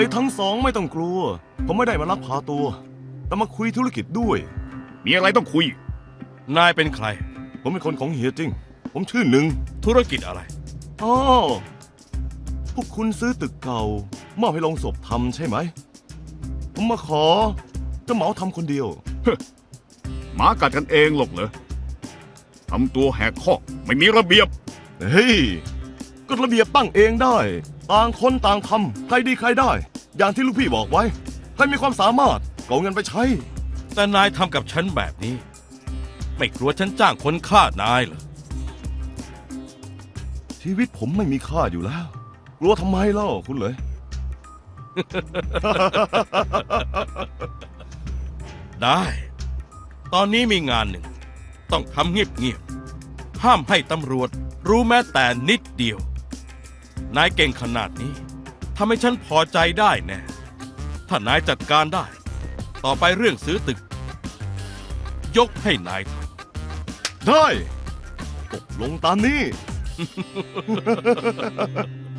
ยทั้งสองไม่ต้องกลัว ผมไม่ได้มาลักพาตัว แต่มาคุยธุรกิจด้วยมีอะไรต้องคุยนายเป็นใครผมเป็นคนของเฮียจิ้งผมชื่อหนึ่งธุรกิจอะไรอ๋อพวกคุณซื้อตึกเก่ามอบให้โรงศพทำใช่ไหม ผมมาขอจะเหมาทำคนเดียวหมากัดกันเองหรอกเหรอทำตัวแหกข้อกไม่มีระเบียบเฮ้ยกฎระเบียบตั้งเองได้ ต่างคนต่างทำใครดีใครได้ อย่างที่ลูกพี่บอกไว้ ใครมีความสามารถก็เอาเงินไปใช้แต่นายทำกับฉันแบบนี้ ไม่กลัวฉันจ้างคนฆ่านายเหรอชีวิตผมไม่มีค่าอยู่แล้ว กลัวทำไมเล่าคุณเลยได้ ตอนนี้มีงานหนึ่ง ต้องทำเงียบๆ ห้ามให้ตำรวจรู้แม้แต่นิดเดียว นายเก่งขนาดนี้ทำให้ฉันพอใจได้แน่ ถ้านายจัดการได้ ต่อไปเรื่องซื้อตึก ยกให้นายทได้ตกลงตามนี้ำ